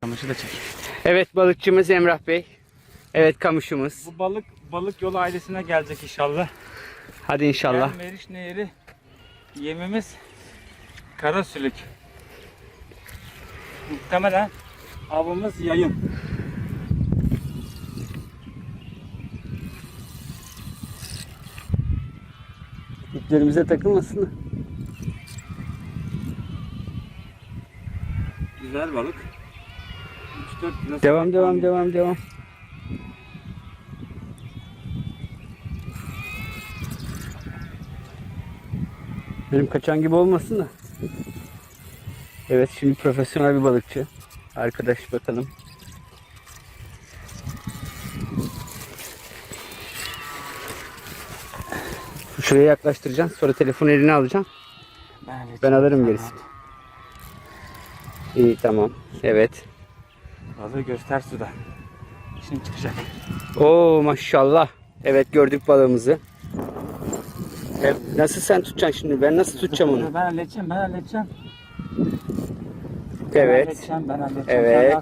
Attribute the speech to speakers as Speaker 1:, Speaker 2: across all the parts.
Speaker 1: Kamışı da çek.
Speaker 2: Evet, balıkçımız Emrah Bey. Evet, kamışımız.
Speaker 1: Bu balık yolu ailesine gelecek inşallah.
Speaker 2: Hadi inşallah.
Speaker 1: Meriç Nehri yemimiz karasülük. Muhtemelen avımız yayın.
Speaker 2: İplerimize takılmasın.
Speaker 1: Güzel balık. 3-4 kilo.
Speaker 2: Devam. Benim kaçan gibi olmasın da. Evet, şimdi profesyonel bir balıkçı. Arkadaş bakalım. Şuraya yaklaştıracaksın. Sonra telefonu eline alacaksın. Ben alırım gerisini. İyi, tamam. Evet.
Speaker 1: Balığı göster suda. Şimdi çıkacak.
Speaker 2: Oo, maşallah. Evet, gördük balığımızı. Nasıl sen tutacaksın şimdi? Ben nasıl tutacağım onu?
Speaker 1: Ben halledeceğim.
Speaker 2: Evet.
Speaker 1: Ben halledeceğim.
Speaker 2: Evet.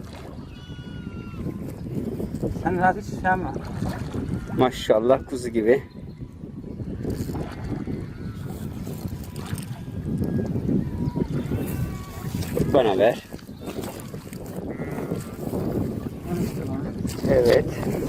Speaker 1: Sen rahat hiç şey yapma.
Speaker 2: Maşallah, kuzu gibi. Bana ver. Evet.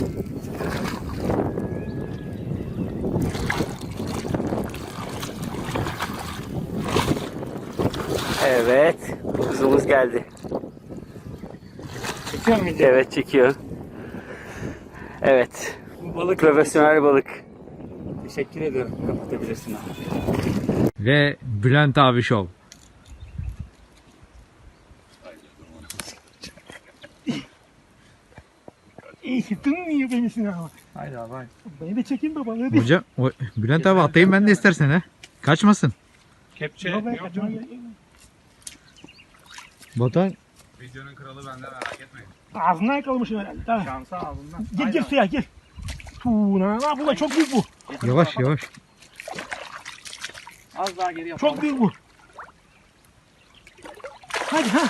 Speaker 2: Evet. Kuzumuz geldi.
Speaker 1: Çekiyor mu video?
Speaker 2: Evet, çekiyor. Evet.
Speaker 1: Bu balık
Speaker 2: Profesyonel balık.
Speaker 1: Teşekkür ederim. Kapatabilirsin abi.
Speaker 3: Ve Bülent abi Show.
Speaker 4: Niye beni sınava?
Speaker 1: Haydi abi haydi.
Speaker 4: Beni de çekin baba hadi.
Speaker 3: Hocam Bülent abi atayım ben de istersen ha. Kaçmasın.
Speaker 1: Kepçe
Speaker 4: Yok, ben
Speaker 1: yok mu?
Speaker 4: kaçıyorum.
Speaker 3: Batuhan
Speaker 5: Videonun kralı bende, merak etmeyin.
Speaker 4: Ağzından yakalamışım herhalde. Tamam.
Speaker 1: Şansa ağzından.
Speaker 4: Gel suya gel. Tuğuna. Bu da çok büyük bu.
Speaker 3: yavaş.
Speaker 1: Az daha geri yapalım.
Speaker 4: Çok büyük bu. Hadi ha.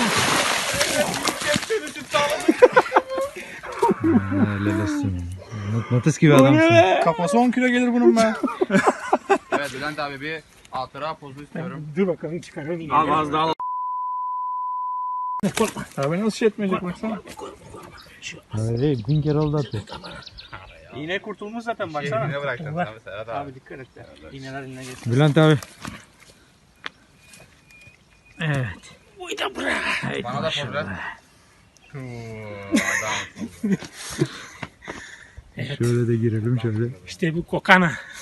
Speaker 3: Helal olsun. Notis gibi adamsın.
Speaker 5: Kafası 10 kilo gelir bunun be. Evet Bülent abi, bir hatıra pozu istiyorum.
Speaker 4: Dur bakalım çıkaralım.
Speaker 1: Al az daha al.
Speaker 5: Abi nasıl şey etmeyecek baksana.
Speaker 3: Öyle 1000 kere oldu atıyor.
Speaker 1: İğne kurtulmuş zaten baksana.
Speaker 5: Ne bırakacaksın abi Serhat abi?
Speaker 1: Abi dikkat et ya. İğneler eline geçsin.
Speaker 3: Bülent abi.
Speaker 5: Bana da poz ver. Adam.
Speaker 3: Şöyle de girelim şöyle.
Speaker 4: İşte bu kokana.